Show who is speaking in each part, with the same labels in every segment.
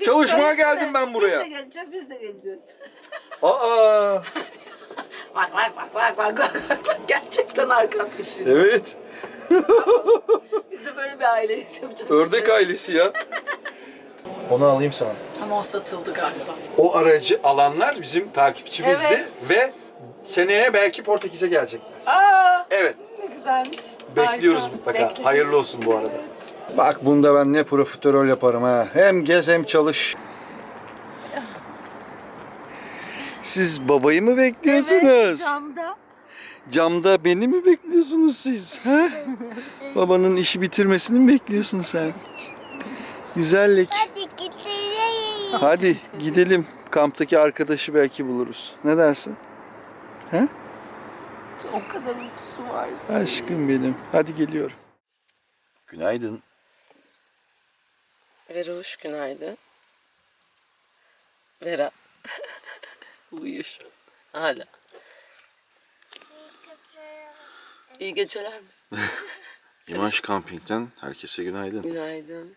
Speaker 1: Çalışmaya geldim ben buraya.
Speaker 2: Biz de geleceğiz.
Speaker 1: Aa.
Speaker 2: Bak. Gerçekten arka peşinde.
Speaker 1: Evet.
Speaker 2: Biz de böyle bir aileyiz, yapacak
Speaker 1: Ördek ailesi ya. Onu alayım sana.
Speaker 2: Ama o satıldı galiba.
Speaker 1: O aracı alanlar bizim takipçimizdi
Speaker 2: Evet.
Speaker 1: ve seneye belki Portekiz'e gelecekler.
Speaker 2: Aa,
Speaker 1: Evet.
Speaker 2: ne güzelmiş.
Speaker 1: Bekliyoruz
Speaker 2: Harika.
Speaker 1: mutlaka.
Speaker 2: Bekleriz.
Speaker 1: Hayırlı olsun bu arada. Bak bunda ben ne profiterol yaparım ha. Hem gez hem çalış. Siz babayı mı bekliyorsunuz?
Speaker 2: Evet, camda.
Speaker 1: Camda beni mi bekliyorsunuz siz? Ha? Babanın işi bitirmesini mi bekliyorsun sen? Güzellik.
Speaker 3: Hadi gidelim.
Speaker 1: Hadi gidelim. Kamptaki arkadaşı belki buluruz. Ne dersin? He?
Speaker 2: O kadar uykusu var.
Speaker 1: Aşkım benim. Hadi geliyorum. Günaydın.
Speaker 2: Vera hoş günaydın. Vera. Uyuyor. Hala. İyi geceler mi?
Speaker 1: İmaj Camping'den herkese günaydın.
Speaker 2: Günaydın.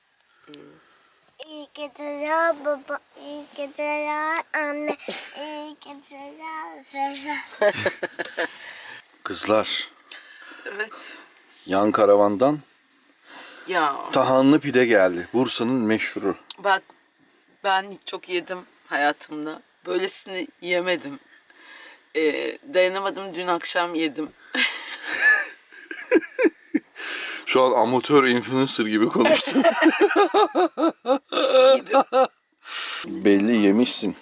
Speaker 3: İyi geceler baba, iyi geceler anne, iyi geceler Ferhat.
Speaker 1: Kızlar,
Speaker 2: Evet.
Speaker 1: yan karavandan
Speaker 2: Ya
Speaker 1: tahanlı pide geldi. Bursa'nın meşhuru.
Speaker 2: bak, ben çok yedim hayatımda. Böylesini yemedim. Dayanamadım, dün akşam yedim.
Speaker 1: Şu an amatör influencer gibi konuştun.
Speaker 2: Yedim.
Speaker 1: Belli yemişsin.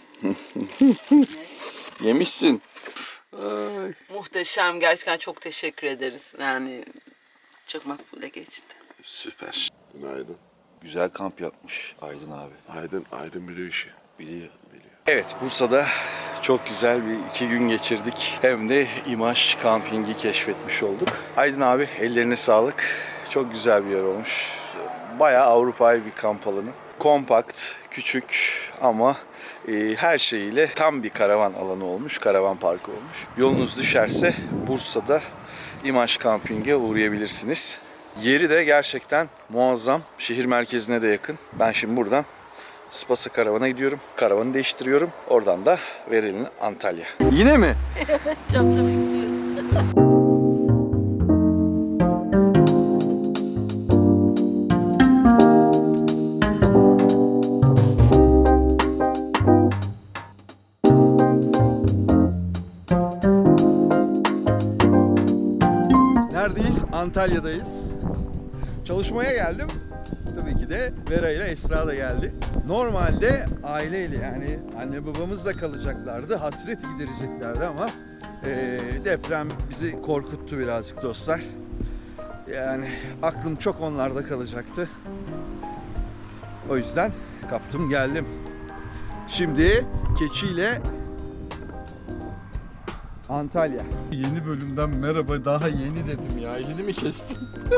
Speaker 1: Yemişsin. Ay.
Speaker 2: Muhteşem. Gerçekten çok teşekkür ederiz. Yani çok makbule geçti.
Speaker 1: Süper.
Speaker 4: Günaydın.
Speaker 1: Güzel kamp yapmış Aydın abi.
Speaker 4: Aydın biliyor işi.
Speaker 1: Biliyor. Evet, Bursa'da çok güzel bir 2 gün geçirdik. Hem de İmaj Camping'i keşfetmiş olduk. Aydın abi ellerine sağlık. Çok güzel bir yer olmuş. Bayağı Avrupa'yı bir kamp alanı. Kompakt, küçük ama her şeyiyle tam bir karavan alanı olmuş. Karavan parkı olmuş. Yolunuz düşerse Bursa'da İmaj Camping'e uğrayabilirsiniz. Yeri de gerçekten muazzam. Şehir merkezine de yakın. Ben şimdi buradan Spasa karavana gidiyorum. Karavanı değiştiriyorum. Oradan da Verelim Antalya. Yine mi?
Speaker 2: Camda bekliyorsun.
Speaker 1: Neredeyiz? Antalya'dayız. Çalışmaya geldim. Tabii ki de Vera ile Esra da geldi. Normalde aileyle yani anne babamızla kalacaklardı. Hasret gidereceklerdi ama deprem bizi korkuttu birazcık dostlar. Yani aklım çok onlarda kalacaktı. O yüzden kaptım geldim. Şimdi keçiyle Antalya. Yeni bölümden merhaba. Daha yeni dedim ya. Elini mi kestin?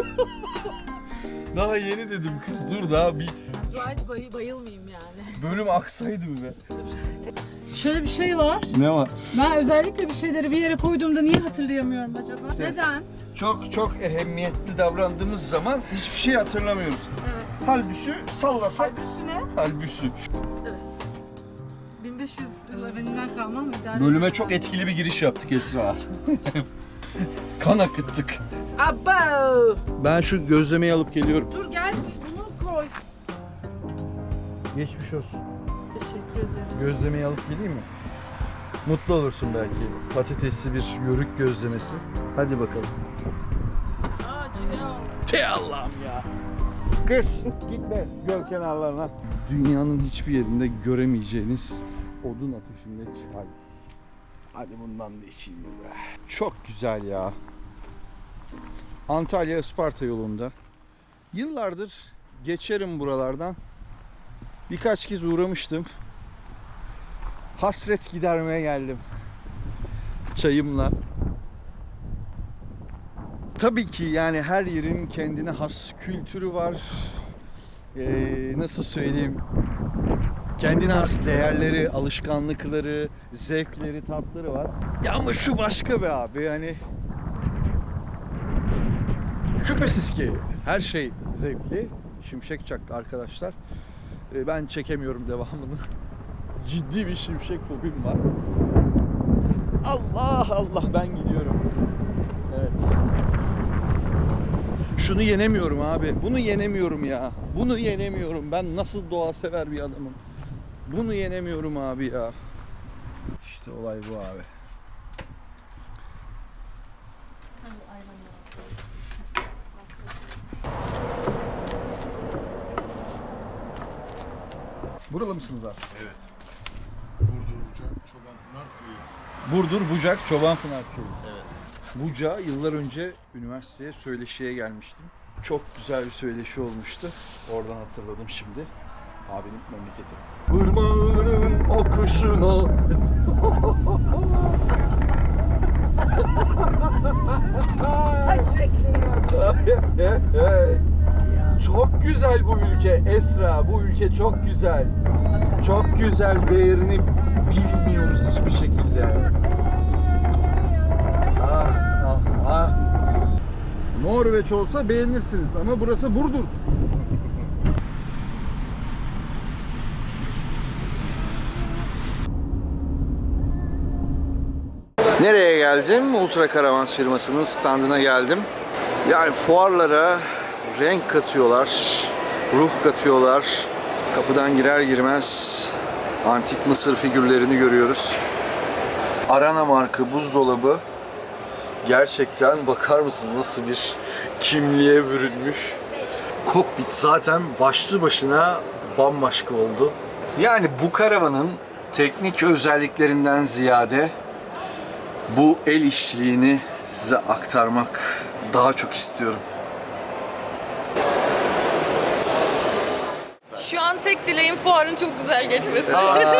Speaker 1: Daha yeni dedim kız. Dur daha bir
Speaker 5: Hadi bayılmayayım yani.
Speaker 1: bölüm aksaydı mı be?
Speaker 5: Şöyle bir şey var.
Speaker 1: Ne var?
Speaker 5: Ben özellikle bir şeyleri bir yere koyduğumda niye hatırlayamıyorum acaba?
Speaker 1: İşte.
Speaker 5: Neden?
Speaker 1: Çok ehemmiyetli davrandığımız zaman hiçbir şey hatırlamıyoruz.
Speaker 5: Evet.
Speaker 1: Halbuki sallasak.
Speaker 5: Halbuki ne?
Speaker 1: Halbuki.
Speaker 5: 1500 yıl evvelinden kalmam mı? İdare
Speaker 1: Bölüme
Speaker 5: eder.
Speaker 1: çok etkili bir giriş yaptık Esra. Kan akıttık.
Speaker 5: Abo!
Speaker 1: Ben şu gözlemeyi alıp geliyorum.
Speaker 5: Dur gel bunu koy.
Speaker 1: Geçmiş olsun.
Speaker 5: Teşekkür ederim.
Speaker 1: Gözlemeyi alıp geleyim mi? Mutlu olursun belki. Patatesli bir yörük gözlemesi. Hadi bakalım. Te Allah'ım ya. Kız gitme göl kenarlarına. Dünyanın hiçbir yerinde göremeyeceğiniz odun ateşinde çay. Hadi bundan da içeyim be. Çok güzel ya. Antalya Isparta yolunda. Yıllardır geçerim buralardan. Birkaç kez uğramıştım. Hasret gidermeye geldim. Çayımla. Tabii ki yani her yerin kendine has kültürü var. Nasıl söyleyeyim? Kendine has değerleri, alışkanlıkları, zevkleri, tatları var. Ya ama şu başka be abi yani. Şüphesiz ki her şey zevkli. Şimşek çaktı arkadaşlar. Ben çekemiyorum devamını. Ciddi bir şimşek fobim var. Allah Allah, ben gidiyorum. Evet. Şunu yenemiyorum abi. Bunu yenemiyorum ya. Bunu yenemiyorum. Ben nasıl doğa sever bir adamım. Bunu yenemiyorum abi ya. İşte olay bu abi. Buralı mısınız abi?
Speaker 4: Evet. Burdur, Bucak, Çobanpınar Köyü.
Speaker 1: Burdur, Bucak, Çobanpınar Köyü.
Speaker 4: Evet.
Speaker 1: Buca yıllar önce üniversiteye söyleşiye gelmiştim. Çok güzel bir söyleşi olmuştu. Oradan hatırladım şimdi. Abinin memleketi. Irmağının akışına. Çok güzel bu ülke Esra. Bu ülke çok güzel. Çok güzel, değerini bilmiyoruz hiçbir şekilde. Norveç olsa beğenirsiniz ama burası Burdur. Nereye geldim? Ultra Caravans firmasının standına geldim. Yani fuarlara renk katıyorlar, ruh katıyorlar. Kapıdan girer girmez antik Mısır figürlerini görüyoruz. Arana marka buzdolabı. Gerçekten bakar mısın nasıl bir kimliğe bürünmüş. Kokpit zaten başlı başına bambaşka oldu. Yani bu karavanın teknik özelliklerinden ziyade bu el işçiliğini size aktarmak daha çok istiyorum.
Speaker 6: Şu an tek dileğim fuarın çok güzel geçmesi.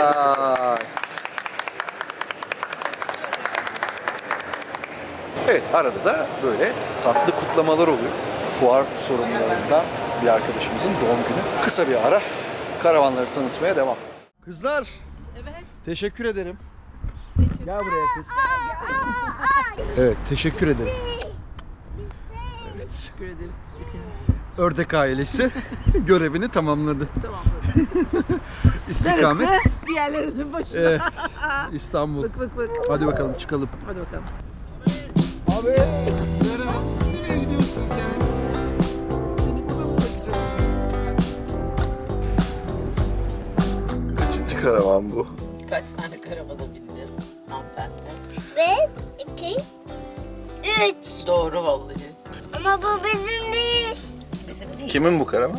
Speaker 1: Evet, arada da böyle tatlı kutlamalar oluyor. Fuar sorumlularından bir arkadaşımızın doğum günü. Kısa bir ara karavanları tanıtmaya devam. Kızlar,
Speaker 6: Evet.
Speaker 1: teşekkür ederim. Gel buraya kız. Evet, teşekkür ederim. Evet.
Speaker 2: Teşekkür ederiz.
Speaker 1: Ördek ailesi görevini tamamladı.
Speaker 2: Tamamladım.
Speaker 1: İstikamet.
Speaker 2: Diğerlerinin başına.
Speaker 1: Evet, İstanbul.
Speaker 2: Bak.
Speaker 1: Hadi bakalım çıkalım.
Speaker 2: Hadi bakalım.
Speaker 1: Abi.
Speaker 4: Nereye gidiyorsun sen? Beni burada mı bırakacaksın?
Speaker 1: Kaçıncı karavan bu?
Speaker 2: Kaç tane karavana bindin hanımefendi?
Speaker 3: 1, 2, 3.
Speaker 2: Doğru vallahi.
Speaker 3: Ama bu bizim değil.
Speaker 2: Bizim değil.
Speaker 1: Kimin bu karavan?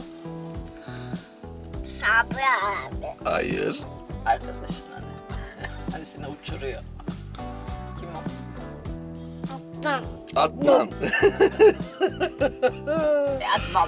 Speaker 3: Sabri abi.
Speaker 1: Hayır.
Speaker 2: Arkadaşın hani. Hani seni uçuruyor. Kim o?
Speaker 3: Tamam.
Speaker 1: Adnan.
Speaker 2: Adnan.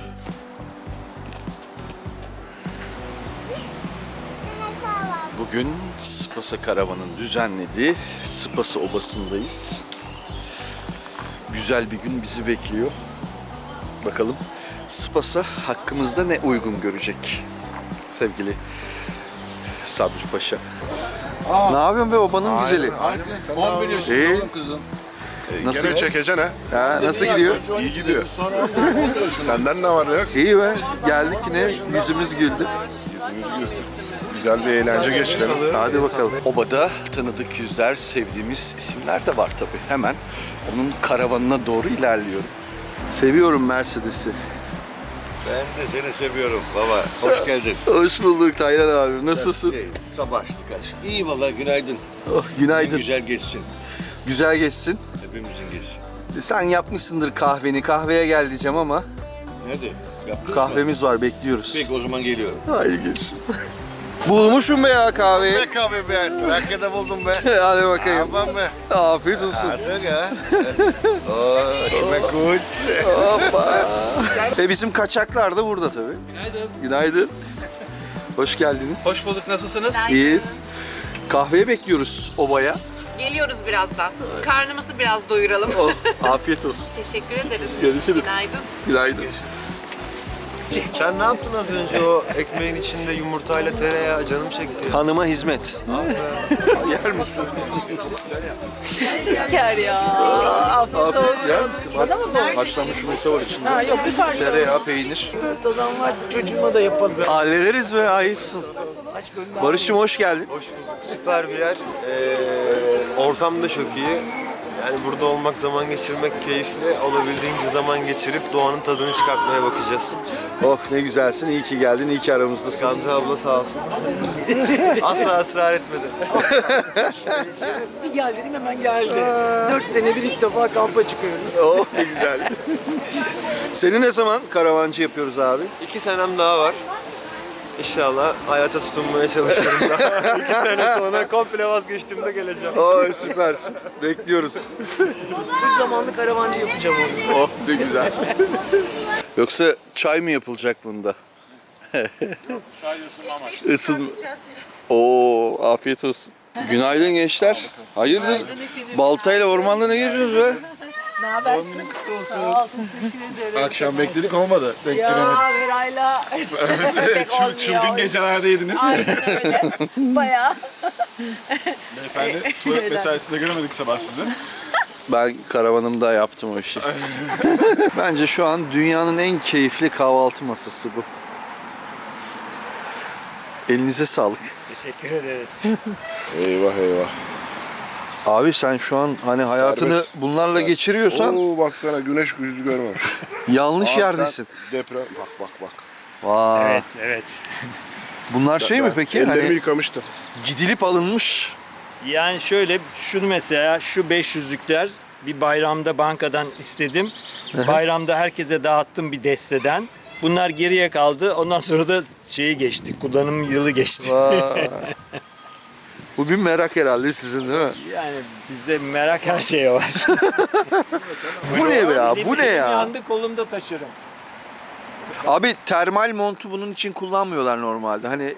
Speaker 1: Bugün Spasa Karavan'ın düzenlediği Spasa Obası'ndayız. Güzel bir gün bizi bekliyor. Bakalım Spasa hakkımızda ne uygun görecek sevgili Sabri Paşa. Ne yapıyorsun be obanın güzeli?
Speaker 4: Aynen. Sen 11
Speaker 1: İyi.
Speaker 4: yaşında oğlum kızım.
Speaker 1: Nasıl?
Speaker 4: Gene çekeceksin ha.
Speaker 1: Ha, nasıl gidiyor?
Speaker 4: İyi gidiyor. Senden ne var ne yok?
Speaker 1: İyi be. Geldik yine yüzümüz güldü.
Speaker 4: Yüzümüz gülsün. Güzel bir eğlence geçirelim.
Speaker 1: Hadi bakalım. Obada tanıdık yüzler, sevdiğimiz isimler de var tabii. Hemen onun karavanına doğru ilerliyorum. Seviyorum Mercedes'i.
Speaker 7: Ben de seni seviyorum baba. Hoş geldin.
Speaker 1: Hoş bulduk Taylan abi. Nasılsın?
Speaker 7: Sabah açtık kardeşim. İyi valla günaydın.
Speaker 1: Oh, günaydın.
Speaker 7: Güzel geçsin.
Speaker 1: Güzel geçsin.
Speaker 7: Hepimizin geçsin.
Speaker 1: Sen yapmışsındır kahveni. Kahveye gel diyeceğim ama
Speaker 7: Nerede? Yaptın mı?
Speaker 1: kahvemiz var, bekliyoruz.
Speaker 7: Peki o zaman geliyorum.
Speaker 1: Haydi görüşürüz. Bulmuşum be ya kahveyi.
Speaker 7: Ne kahve be? Trakya'da buldum be.
Speaker 1: Hadi bakayım.
Speaker 7: Aman be.
Speaker 1: Afiyet olsun.
Speaker 7: Artık ha. Oo, şime kut.
Speaker 1: Hoppa. Bizim kaçaklar da burada tabii. Günaydın. Günaydın. Hoş geldiniz.
Speaker 8: Hoş bulduk, nasılsınız?
Speaker 1: İyiyiz. Kahveye bekliyoruz obaya.
Speaker 6: Geliyoruz birazdan. Karnımızı biraz doyuralım.
Speaker 1: Oh, afiyet olsun.
Speaker 6: Teşekkür ederiz.
Speaker 1: Görüşürüz.
Speaker 6: Günaydın.
Speaker 1: Günaydın.
Speaker 8: Sen ne yaptın az önce o ekmeğin içinde yumurtayla tereyağı canım çekti ya.
Speaker 1: Hanıma hizmet. Yer misin?
Speaker 2: Şeker ya. Afiyet olsun.
Speaker 1: Yer misin?
Speaker 2: Bana mı bu?
Speaker 1: Haşlanmış yumurta var içinde.
Speaker 2: Ha, yok bir parça.
Speaker 1: Tereyağı, peynir.
Speaker 2: Tadan varsa çocuğuma da yapalım.
Speaker 1: Hallederiz be, ayıpsın. Barış'ım hoş geldin.
Speaker 8: Süper bir yer. Ortam da çok iyi. Yani burada olmak, zaman geçirmek keyifli. Olabildiğince zaman geçirip doğanın tadını çıkartmaya bakacağız.
Speaker 1: Oh ne güzelsin, iyi ki geldin, iyi ki aramızdasın.
Speaker 8: Gamze abla sağ olsun. Asla ısrar etmedi.
Speaker 9: Bir gel dedim hemen geldi. 4 senedir ilk defa kampa çıkıyoruz.
Speaker 1: Oh ne güzel. Seni ne zaman karavancı yapıyoruz abi?
Speaker 8: 2 senem daha var. İnşallah hayata tutunmaya çalışıyorum daha. 2 sene sonra komple vazgeçtiğimde geleceğim.
Speaker 1: Oh süpersin. Bekliyoruz.
Speaker 9: Bir zamanlı karavancı yapacağım onu.
Speaker 1: Oh ne güzel. Yoksa çay mı yapılacak bunda?
Speaker 5: Çay ısınma amaçlı.
Speaker 1: Isın. Oo afiyet olsun. Günaydın gençler. Hayırdır? Baltayla ormanda ne geziyorsunuz be?
Speaker 2: Ne habersin? Sağ ol, teşekkür ederim.
Speaker 4: Akşam bekledik olmadı.
Speaker 2: Ya Veray'la pek olmuyor.
Speaker 4: Çılgın gecelerdeydiniz.
Speaker 2: Aynen öyle. Bayağı.
Speaker 4: Beyefendi tuvalet mesaisinde göremedik sabah sizi.
Speaker 1: Ben karavanımda yaptım o işi. Bence şu an dünyanın en keyifli kahvaltı masası bu. Elinize sağlık.
Speaker 5: Teşekkür ederiz.
Speaker 4: Eyvah eyvah.
Speaker 1: Abi sen şu an hani hayatını
Speaker 4: Servet,
Speaker 1: bunlarla geçiriyorsan
Speaker 4: Oo baksana güneş yüzü görmemiş.
Speaker 1: yanlış
Speaker 4: Abi
Speaker 1: yerdesin.
Speaker 4: sen Deprem. Bak.
Speaker 1: Vay.
Speaker 5: Evet.
Speaker 1: Bunlar şey mi peki?
Speaker 4: Ellerimi
Speaker 1: Hani
Speaker 4: yıkamıştım.
Speaker 1: gidilip alınmış.
Speaker 5: Yani şöyle, şunu mesela, şu 500'lükler bir bayramda bankadan istedim. Bayramda herkese dağıttım bir desteden. Bunlar geriye kaldı. Ondan sonra da şeyi geçti. Kullanım yılı geçti.
Speaker 1: Vay. Bu bir merak herhalde sizin değil mi?
Speaker 5: Yani bizde merak her şeye var.
Speaker 1: Bu ne be ya? Bu ne ya?
Speaker 5: Yandı kolumda taşırım.
Speaker 1: Abi termal montu bunun için kullanmıyorlar normalde. Hani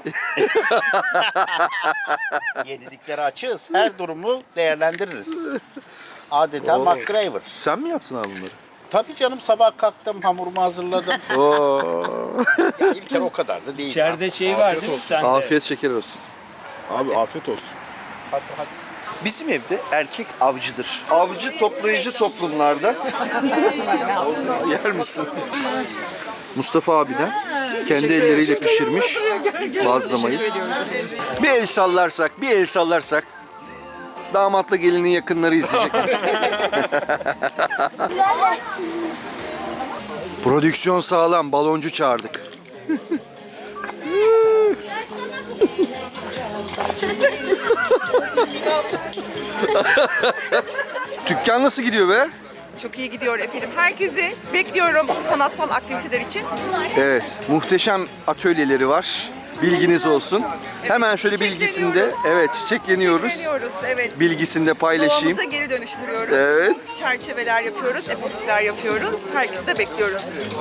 Speaker 10: Yeniliklere açığız. Her durumu değerlendiririz. Adeta MacGyver.
Speaker 1: sen mi yaptın abi bunları?
Speaker 10: Tabii canım sabah kalktım, hamurumu hazırladım.
Speaker 1: Oo.
Speaker 10: Ya ilk kere o kadar da değil.
Speaker 5: İçeride şey var değil mi sende?
Speaker 1: Afiyet şeker olsun.
Speaker 4: Abi afiyet olsun.
Speaker 10: Hadi.
Speaker 1: Bizim evde erkek avcıdır. Avcı toplayıcı toplumlarda yer misin? Mustafa abiden kendi elleriyle pişirmiş bazlamayı. Bir el sallarsak damatla gelinin yakınları izleyecek. Prodüksiyon sağlam, baloncu çağırdık. Dükkan nasıl gidiyor be?
Speaker 6: Çok iyi gidiyor efendim. Herkesi bekliyorum sanatsal aktiviteler için.
Speaker 1: Evet, muhteşem atölyeleri var. Bilginiz olsun. Hemen şöyle bilgisinde, evet çiçekleniyoruz.
Speaker 6: Çiçekleniyoruz, evet.
Speaker 1: Bilgisinde paylaşayım.
Speaker 6: Doğamıza geri dönüştürüyoruz.
Speaker 1: Evet.
Speaker 6: Çerçeveler yapıyoruz, epoksiler yapıyoruz. Herkesi de bekliyoruz.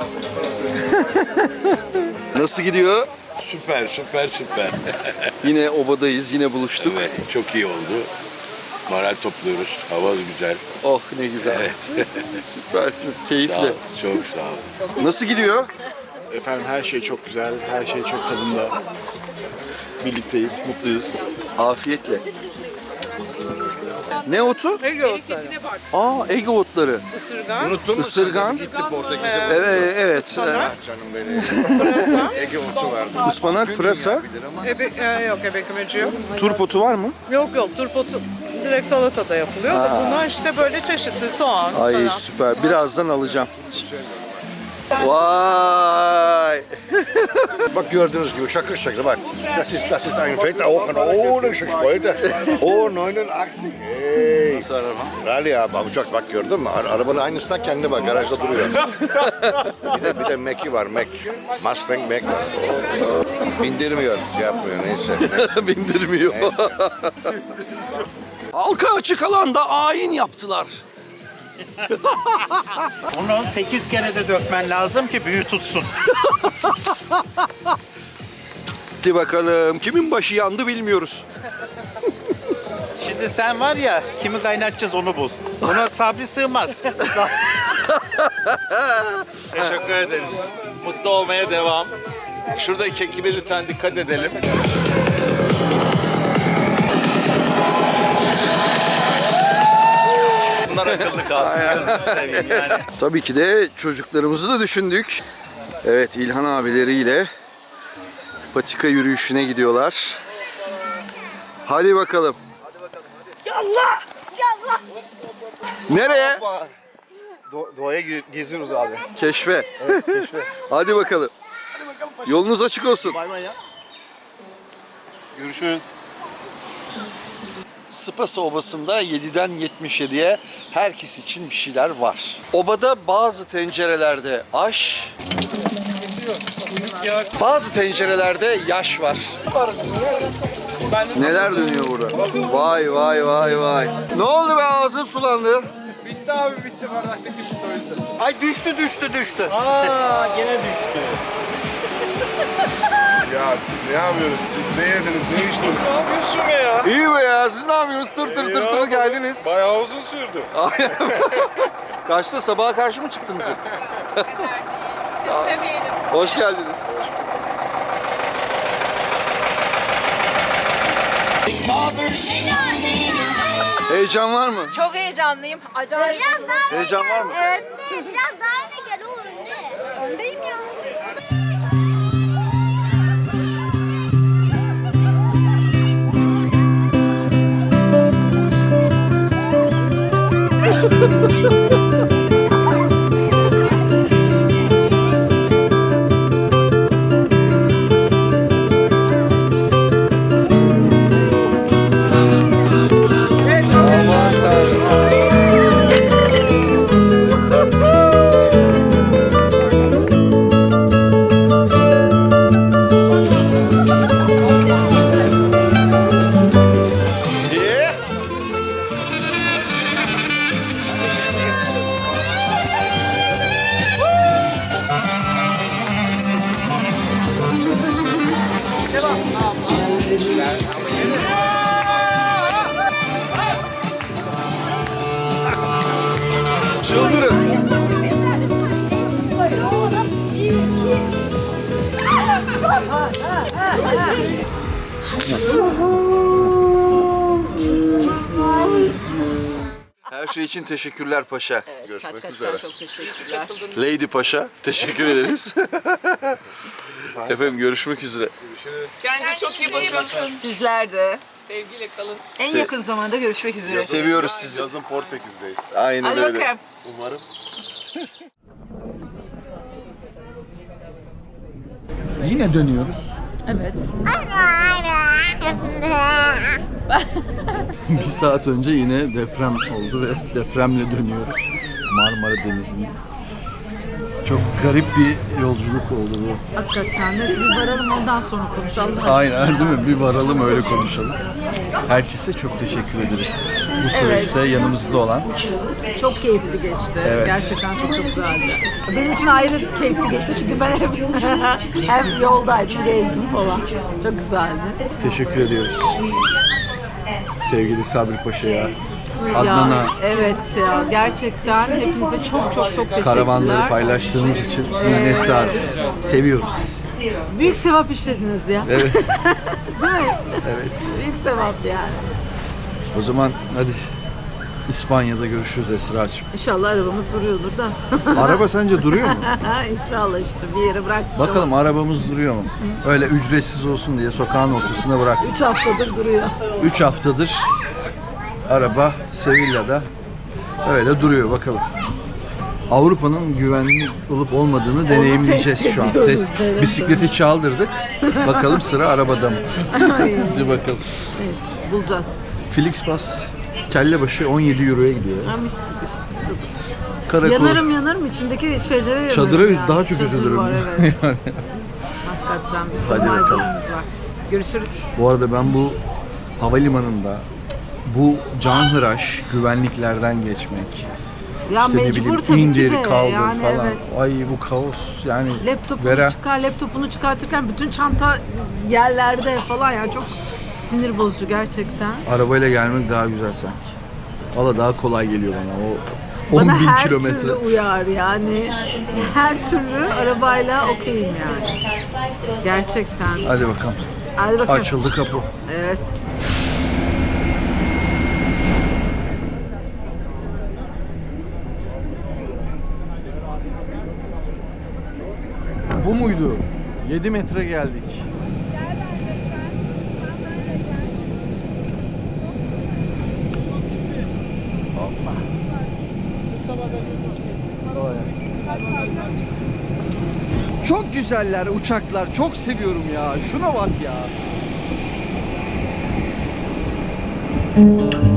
Speaker 1: Nasıl gidiyor?
Speaker 7: Süper.
Speaker 1: Yine obadayız, yine buluştuk.
Speaker 7: Evet, çok iyi oldu. Moral topluyoruz. Hava güzel.
Speaker 1: Oh ne güzel. Süpersiniz,
Speaker 7: Sağ
Speaker 1: keyifli.
Speaker 7: ol, çok sağ ol.
Speaker 1: Nasıl gidiyor?
Speaker 4: Efendim her şey çok güzel. Her şey çok tadında. Birlikteyiz, mutluyuz.
Speaker 1: Afiyetle. Ne otu?
Speaker 6: Ege otları.
Speaker 1: Aa, Ege otları.
Speaker 6: Isırgan,
Speaker 4: Unuttun mu?
Speaker 1: Isırgan. Evet.
Speaker 4: Canım benim.
Speaker 6: pırasa,
Speaker 4: Ege otu vardı.
Speaker 1: Ispanak, pırasa.
Speaker 6: yok ebekmeci yok.
Speaker 1: Turp otu var mı?
Speaker 6: Yok turpotu direkt salatada yapılıyor da bunlar işte böyle çeşitli soğan
Speaker 1: Ay
Speaker 6: falan.
Speaker 1: süper. Birazdan alacağım. Vay.
Speaker 10: Bak gördüğünüz gibi şakır şakır bak. Das ist ein fetter Ofen ohne Spreude. Oh 89. Hey.
Speaker 4: Nasıl araba?
Speaker 10: Rally abi uçak bak gördün mü? Arabanın aynısından kendi var garajda duruyor. bir de Mac'i var Mac. Mustang Mac var. Bindirmiyor, yapmıyor neyse.
Speaker 1: Bindirmiyor. Halka açık alanda ayin yaptılar.
Speaker 10: Onu 8 kere de dökmen lazım ki büyü tutsun.
Speaker 1: Hadi bakalım kimin başı yandı bilmiyoruz.
Speaker 10: Şimdi sen var ya kimi kaynatacağız onu bul. Ona sabri sığmaz.
Speaker 4: Teşekkür ederiz.
Speaker 7: Mutlu olmaya devam. Şuradaki ekibe lütfen dikkat edelim. Bunlar akıllı kalsın. Gözünü seveyim yani.
Speaker 1: Tabii ki de çocuklarımızı da düşündük. Evet, İlhan abileriyle patika yürüyüşüne gidiyorlar. Hadi bakalım. Yallah! Yallah! Nereye?
Speaker 4: Doğaya geziyoruz abi.
Speaker 1: Keşfe. Hadi bakalım. Yolunuz açık olsun.
Speaker 4: Bay bay ya. Görüşürüz.
Speaker 1: Spasa Obası'nda 7'den 77'ye herkes için bir şeyler var. Obada bazı tencerelerde aş, bazı tencerelerde yaş var. Neler dönüyor burada? Vay vay vay vay. Ne oldu be, ağzın sulandı?
Speaker 4: Bitti abi, bitti. Bardaktaki bitti o yüzden. Ay düştü.
Speaker 5: Aa gene düştü.
Speaker 4: Ya siz ne yapıyorsunuz? Siz ne yediniz? Ne içtiniz? Ne yapıyorsun ya?
Speaker 1: İyi be ya, siz ne yapıyorsunuz? Tır geldiniz.
Speaker 4: Bayağı uzun sürdü.
Speaker 1: Kaçta, sabaha karşı mı çıktınız? Hoş geldiniz. Heyecan var mı?
Speaker 3: Çok heyecanlıyım. Acayip. Biraz daha
Speaker 1: Heyecan var mı?
Speaker 3: Evet. Biraz daha öne gel. O önde. Öndeyim ya.
Speaker 1: Çıldırın. Her şey için teşekkürler paşa.
Speaker 2: Hakikaten çok teşekkürler.
Speaker 1: Lady Paşa, teşekkür ederiz. Efendim, görüşmek üzere.
Speaker 2: Kendinize çok iyi bakın.
Speaker 9: Sizler de.
Speaker 2: Sevgiyle kalın.
Speaker 9: En yakın zamanda görüşmek üzere.
Speaker 1: Seviyoruz sizi.
Speaker 4: Yazın Portekiz'deyiz.
Speaker 1: Aynen
Speaker 9: Hadi
Speaker 1: öyle.
Speaker 9: bakalım.
Speaker 4: Umarım.
Speaker 11: Yine dönüyoruz.
Speaker 9: Evet.
Speaker 11: Bir saat önce yine deprem oldu ve depremle dönüyoruz. Marmara Denizi'nin. Çok garip bir yolculuk oldu bu.
Speaker 9: Hakikaten de bir varalım ondan sonra konuşalım.
Speaker 11: Aynen, değil mi? Bir varalım öyle konuşalım. Herkese çok teşekkür ederiz. Bu süreçte yanımızda olan.
Speaker 9: Çok keyifli geçti.
Speaker 11: Evet.
Speaker 9: Gerçekten çok güzeldi. Benim için ayrı keyifli geçti çünkü ben hep yoldaydım, gezdim falan. Çok güzeldi.
Speaker 11: Teşekkür ediyoruz. Sevgili Sabri Paşa'ya, Adnan'a,
Speaker 9: Ya, evet ya, gerçekten hepinize çok teşekkürler.
Speaker 11: karavanları paylaştığınız için minnettarız. Seviyoruz sizi.
Speaker 9: Büyük sevap işlediniz ya.
Speaker 11: Evet.
Speaker 9: Değil mi?
Speaker 11: Evet.
Speaker 9: Büyük sevap yani.
Speaker 11: O zaman hadi İspanya'da görüşürüz Esra'cığım.
Speaker 9: İnşallah arabamız duruyordur da.
Speaker 11: Araba sence duruyor mu?
Speaker 9: İnşallah işte bir yere bıraktık.
Speaker 11: Bakalım arabamız duruyor mu? Öyle ücretsiz olsun diye sokağın ortasına bıraktık.
Speaker 9: 3 haftadır duruyor.
Speaker 11: 3 haftadır araba Sevilla'da öyle duruyor, bakalım. Avrupa'nın güvenli olup olmadığını deneyimleyeceğiz şu an.
Speaker 9: ediyoruz, evet.
Speaker 11: Bisikleti çaldırdık. Bakalım sıra arabada mı?
Speaker 9: Ay,
Speaker 11: Hadi bakalım.
Speaker 9: neyse, bulacağız.
Speaker 11: Flixbus kelle başı 17 euroya gidiyor.
Speaker 9: Ha, mis gibi. Çok-
Speaker 11: Karakol
Speaker 9: Yanarım içindeki şeylere
Speaker 11: çadıra
Speaker 9: yanarım yani.
Speaker 11: daha çok
Speaker 9: Çadır
Speaker 11: üzülürüm.
Speaker 9: var, evet.
Speaker 11: Yani.
Speaker 9: Hakikaten bir
Speaker 11: Hadi
Speaker 9: sürü
Speaker 11: bakalım.
Speaker 9: malzememiz var. Görüşürüz.
Speaker 11: Bu arada ben bu havalimanında bu canhıraş güvenliklerden geçmek,
Speaker 9: Ya
Speaker 11: işte ne
Speaker 9: mecbur
Speaker 11: bileyim
Speaker 9: tabii ki
Speaker 11: indir
Speaker 9: de,
Speaker 11: kaldır
Speaker 9: yani
Speaker 11: falan.
Speaker 9: evet.
Speaker 11: Ay bu kaos yani.
Speaker 9: Laptopunu çıkartırken bütün çanta yerlerde falan, yani çok sinir bozucu gerçekten.
Speaker 11: Arabayla gelmek daha güzel sanki. Valla daha kolay geliyor bana. O
Speaker 9: Bana
Speaker 11: 10.000
Speaker 9: her
Speaker 11: kilometre.
Speaker 9: türlü uyar yani. Her türlü arabayla okeyim yani. Gerçekten.
Speaker 11: Hadi bakalım.
Speaker 9: Hadi bakalım.
Speaker 11: Açıldı kapı.
Speaker 9: Evet.
Speaker 11: Bu muydu? 7 metre geldik. Çok güzeller uçaklar. Çok seviyorum ya. Şuna bak ya.